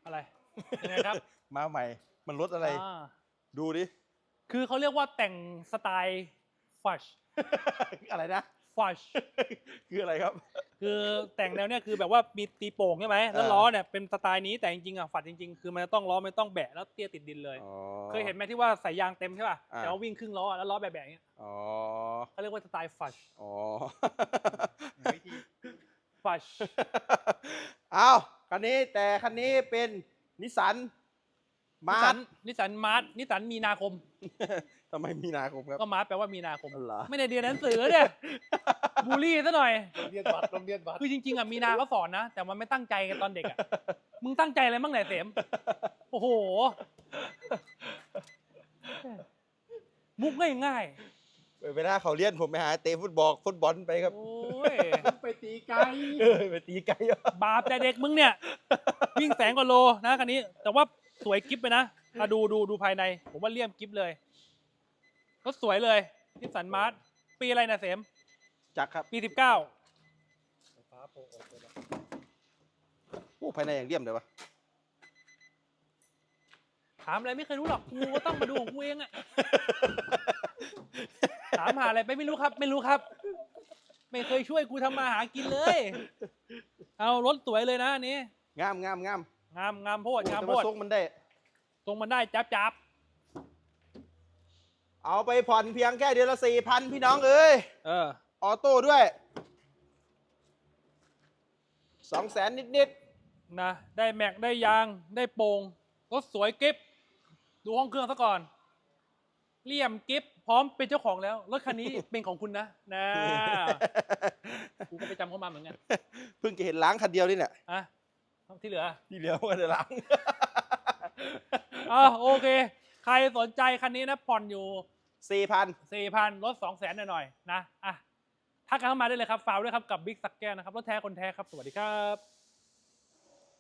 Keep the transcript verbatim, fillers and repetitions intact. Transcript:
อะไรยังไงครับมาใหม่มันรถอะไรอ่าดูดิคือเขาเรียกว่าแต่งสไตล์ฟัชอะไรนะฟัชคืออะไรครับคือแต่งแนวเนี้ยคือแบบว่ามีตีโป่งใช่ไหมแล้วเออล้อเนี่ยเป็นสไตล์นี้แต่จริงๆอ่ะฝัดจริงๆคือมันจะต้องล้อไม่ต้องแบะแล้วเตี้ยติดดินเลยอ๋อเคยเห็นไหมที่ว่าใส่ยางเต็มใช่ป่ะอ่าแต่ว่าวิ่งครึ่งล้อแล้วล้อแบะๆอย่างเงี้ยอ๋อเขาเรียกว่าสไตล์ฟัชอ๋อฟัชเอาคันนี้แต่คันนี้เป็นนิสสันนิมาสัร์นนิสันมาร์ทนิสันมีนาคมทำไมมีนาคมครับก็มาร์ทแปลว่ามีนาคมอ๋อเหรอไม่ได้เรียนหนังสือเนี่ยบูลลี่ซะหน่อยโรงเรียนวัดโรงเรียนวัดคือจริงๆอ่ะมีนาเขาสอนนะ แต่มันไม่ตั้งใจกันตอนเด็กอ่ะ มึงตั้งใจอะไรบ้างไหนยเสมโอ้โห มุกง่ายเวลาเขาเรียนผมไปหาเตะฟุตบอลฟุตบอลไปครับๆโอ้ยไปตีไกลเออไปตีไกลอ่ะบาปแต่เด็กมึงเนี่ย วิ่งแสงกว่าโลนะคันนี้ แต่ว่าสวยกิฟไปนะมาดูดูดูภายใน ผมว่าเลี่ยมกิฟเลยรถสวยเลยนิสสันมาร์ทปีอะไรนะเสมจักรครับปีสิบเก้าฟ้าโปะออกไปแล้วโอ้ภายในอย่างเลี่ยมเลยวะถามอะไรไม่เคยรู้หรอกกูก็ต้องมาดูของกูเองอะ ถามหาอะไรไปไม่รู้ครับ ไม่รู้ครับ ไม่เคยช่วยกูทำมาหากินเลย เอารถสวยเลยนะอันนี้งามงามงามงามงามโพดงามแต่โพว่าดทรงมันได้ตรงมันได้จับจับเอาไปผ่อนเพียงแค่เดือนละสี่พันพี่น้องเอ้ยเออออโต้ด้วยสองแสนนิดนะได้แม็กได้ยางได้โปร่งรถสวยกิฟดูห้องเครื่องซะก่อนเลี่ยมกิฟพร้อมเป็นเจ้าของแล้ว รถคันนี้ เป็นของคุณนะนะๆกูก็ไปจำเขามาเหมือนกันเพิ่งจะเห็นล้างคันเดียวนี่เนี่ยอ่ะที่เหลือที่เหลือมันจะล้างอ่ะโอเค ใครสนใจคันนี้นะผ่อนอยู่สี่พันสี่พันลดสองแสนหน่อยๆนะอ่ะทักกันเข้ามาได้เลยครับฝากด้วยครับกับบิ๊กซักแก้วนะครับรถแท้คนแท้ครับ สวัสดีครับ